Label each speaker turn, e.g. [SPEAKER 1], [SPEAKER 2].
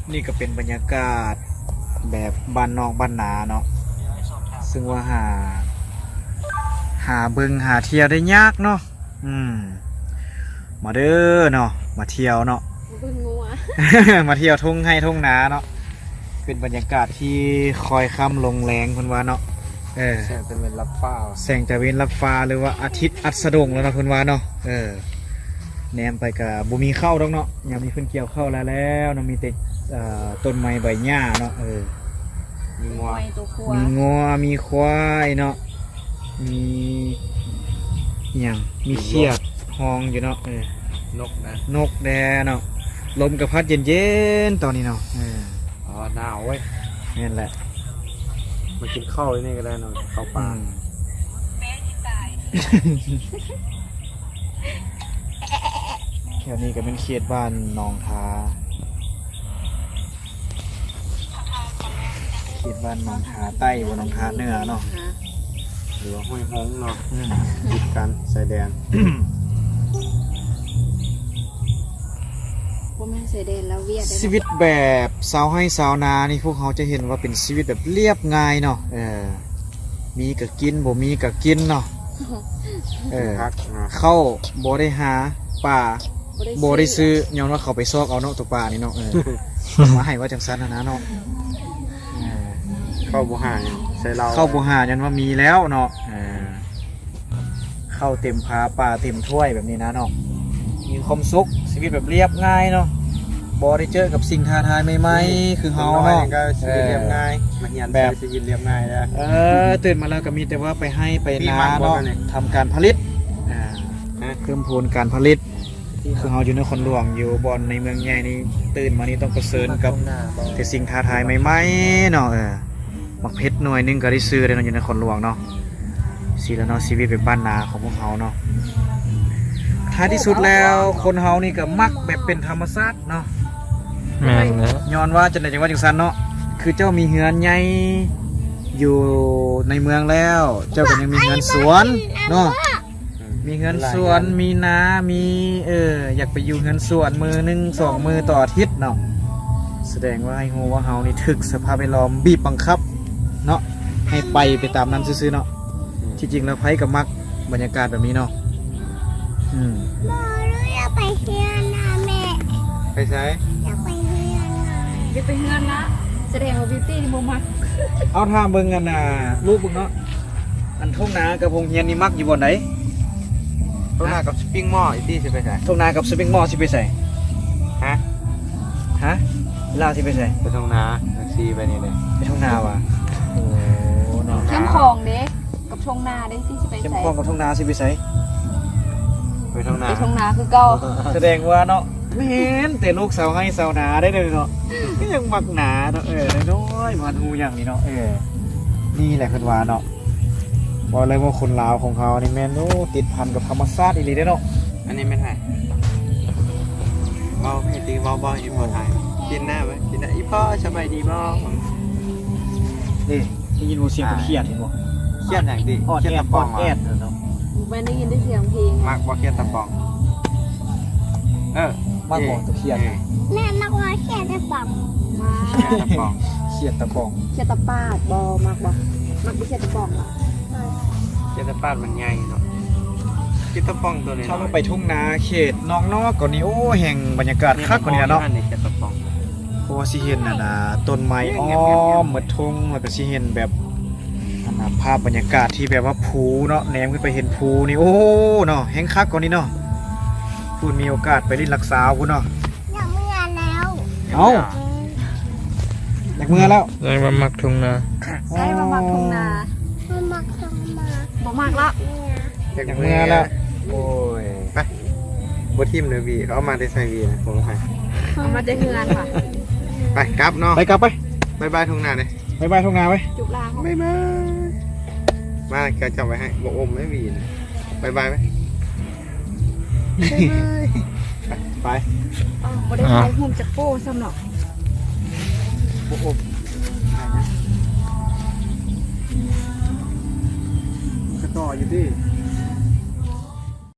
[SPEAKER 1] นี่ก็เป็นบรรยากาศแบบบ้านนอกบ้านนาเนาะซึ่งว่าหาเบิ่งหาเที่ยวได้ยากเนาะมาเด้อเนาะมาเที่ยวเนาะ
[SPEAKER 2] เบิ่งงัว
[SPEAKER 1] มาเที่ยวทุ่งให้ทุ่งนาเนาะเป็นบรรยากาศที่คอยค่ำลงแรงเพิ่นว่าเนาะ
[SPEAKER 3] แสงตะเวนรับฟ้า
[SPEAKER 1] แสงตะเวนรับฟ้าหรือว่าอาทิตย์อัสดงแล้วเนาะเพิ่นว่าเนาะแนมไปกับบ่มีข้าวดอกเนาะยามนี้เพิ่นเกี่ยวข้าวแล้วเนาะมีแต่ต้นไม้ใบหญ้าเนาะ
[SPEAKER 3] มีงัว
[SPEAKER 1] มีงัวมีควายเนาะมีหยังมีเขียดห้องอยู่เนาะ
[SPEAKER 3] นกนะ
[SPEAKER 1] นกแดเนาะลมกระพัดเย็นๆตอนนี้เนาะ
[SPEAKER 3] หนาวเว้ย
[SPEAKER 1] นี่แหละ
[SPEAKER 3] มากินข้าวนี่ก็ได้เนาะข้าวปลา
[SPEAKER 1] แถวนี้ก็เป็นเขตบ้านหนองทาเขตบ้านหนองทาใต้บนหนองทาเหนือเนาะ
[SPEAKER 3] หรือว่าห้วยฮงเนาะติดกันสายแดน
[SPEAKER 2] บ่แม่นเสด็จแล้วเวียด
[SPEAKER 1] ชีวิตแบบสาวให้สาวนานี่พวกเขาจะเห็นว่าเป็นชีวิตแบบเรียบง่ายเนาะมีก็กินบ่มีก็กินเนาะเข้าบ่ได้หาป่าบ่ได้ซื้อย้อนว่าเขาไปซอกเอาเนาะตัวป่านี่เนาะมาให้ว่าจังซั่นนะเนาะ
[SPEAKER 3] เข้าบ่หาใส่เรา
[SPEAKER 1] เข้าบ่หายันว่ามีแล้วเนาะเข้าเต็มพาป่าเต็มถ้วยแบบนี้นะเนาะมีความสุขชีวิตแบบเรียบง่ายเนาะบ่ได้เจอกับสิ่งท้าทายใหม่ๆคือเฮาเนาะ
[SPEAKER 3] ชีวิตเรียบง่ายมาเรียนแบบชีวิตเรียบง่ายนะ
[SPEAKER 1] ตื่นมาแล้วก็มีแต่ว่าไปให้ไปนาเนาะทำการผลิตเพิ่มพูนการผลิตคือเฮาอยู่ในคนหลวงอยู่บอนในเมืองใหญ่นี่ตื่นมานี่ต้องเผชิญกับแต่สิ่งท้าทายใหม่ๆเนาะบักเพชรหน่วยนึงก็ได้ซื้อได้เนาะอยู่ในคนหลวงเนาะสิแล้วเนาะชีวิตเป็นบ้านนาของพวกเฮาเนาะท้ายที่สุดแล้วคนเฮานี่ก็มักแบบเป็นธรรมชาติเนาะ
[SPEAKER 3] แม่นนะ
[SPEAKER 1] ย้อนว่าจังได๋จังว่าจังซั่นเนาะคือเจ้ามีเฮือนใหญ่อยู่ในเมืองแล้วเจ้าก็ยังมีเฮือนสวนเนาะมีเฮือนสวนมีนามีอยากไปอยู่เฮือนสวนมือนึง2มือต่ออาทิตย์เนาะแสดงว่าให้ฮู้ว่าเฮานี่ถึกสภาพแวดล้อมบีบบังคับเนาะให้ไปตามนั้นซื่อๆเนาะที่จริงแล้วไผก็มักบรรยากาศแบบนี้เนาะ
[SPEAKER 2] บ่รู้อยากไปเฮือนนะแม่
[SPEAKER 3] ไปใช้
[SPEAKER 2] อยากไปเฮือนนะอยากไปเฮือนนะแสดงว่าบิวตี้นี่บ่มัก
[SPEAKER 1] เอาถามเบิ่งกันน่ะลูกเบิ่งเนาะอันทุ่งนากับโรงเรียนนี่มักอยู่บ่ไหน
[SPEAKER 3] ทุ่งนากับสปริงมออีตี้สิไปใส่
[SPEAKER 1] ทุ่งนากับสปริงมอสิไปใส่ฮะลาวสิไปใส่
[SPEAKER 3] ไปทุ่งนาซีไปนี่เลย
[SPEAKER 1] ไปทุ่งนาว่ะโอ้
[SPEAKER 2] เนาะเข้มของเด้กับทุ่งนาเด้ที่สิไปใส่
[SPEAKER 1] เข้มของกับทุ่งนาสิไปใส่
[SPEAKER 3] ไปทุ่ง
[SPEAKER 2] นาคือเก่า
[SPEAKER 1] แสดงว่าเนาะไม่เห็นแต่ลูกสาวให้สาวนาได้เลยเนาะก็ยังมักหนาเนาะน้อยมันหูอย่างนี้เนาะนี่แหละคือว่าเนาะบอกเลยว่าคนลาวของเขานี่แม่นติดพันกับธรรมชาติอีหลีเด้เนาะ
[SPEAKER 3] อันนี้ไม่ถ่ายบอไม่ตีบออีพอถ่ายกินหน้าไหมกินหน้าอีพ่อสบายดีบอ
[SPEAKER 1] นี่ได้ยินเสียงเครียดเห็นบ่
[SPEAKER 3] เครียดอย่างดี
[SPEAKER 1] เครียดตะปองเนาะ
[SPEAKER 2] ไม่ได้ยินได้เสียงเพลง
[SPEAKER 3] มากบ่เครียดตะปอง
[SPEAKER 1] มากบ่ตะเครียด
[SPEAKER 2] แม่มากว่าเครียดตะปอง
[SPEAKER 3] ตะปอง
[SPEAKER 1] เครียดตะปอง
[SPEAKER 2] เครียดตะปาดบ่มากบ่มักเครียดตะปอง
[SPEAKER 3] เครียดตะปาดมันใหญ่เนาะเครียดตะปองตัวนี้
[SPEAKER 1] ถ้าเราไปทุ่งนาเขตนอกก่อนนี้โอ้แห่งบรรยากาศคักกว่านี้เนาะ
[SPEAKER 3] เครียดตะปอง
[SPEAKER 1] เพราะว่าสิเห็นน่ะต้นไม้อ้อมหมดทุ่งแล้วก็สิเห็นแบบภาพบรรยากาศที่แบบว่าภูเนาะแนมขึ้นไปเห็นภูนี่โอ้เนาะแห้งคักกว่านี้เนาะพูดมีโอกาสไปลิ้นรักษาพูดเนาะ
[SPEAKER 2] อยากเมื่อแล้ว
[SPEAKER 1] อยากเมื่อแล้ว
[SPEAKER 3] ได้มามักทุ่งนา
[SPEAKER 2] ได้มามักทุ่งนามักทุ่งนาบ่มักละ
[SPEAKER 1] อยากเมื่อแล้วโอ้ย
[SPEAKER 3] ไปบทีมเนวีเขาเอามาได้ใส่วีนะผมให้
[SPEAKER 2] เอามาได้เฮือนค่ะ
[SPEAKER 3] ไปกลับเนาะ
[SPEAKER 1] ไปกลับไป
[SPEAKER 3] บายทุ่งนาเลย
[SPEAKER 1] บายทุ่งนาไป
[SPEAKER 2] จุกลาเขา
[SPEAKER 3] บายมาแกจำไว้ให้บอกอมไม่วีนะบายไหม
[SPEAKER 1] ไป
[SPEAKER 2] บ่ได้ใช้หุ่มจักโป้ซ้ำหรอก
[SPEAKER 1] โอ้โหกระต่ออยู่ดิ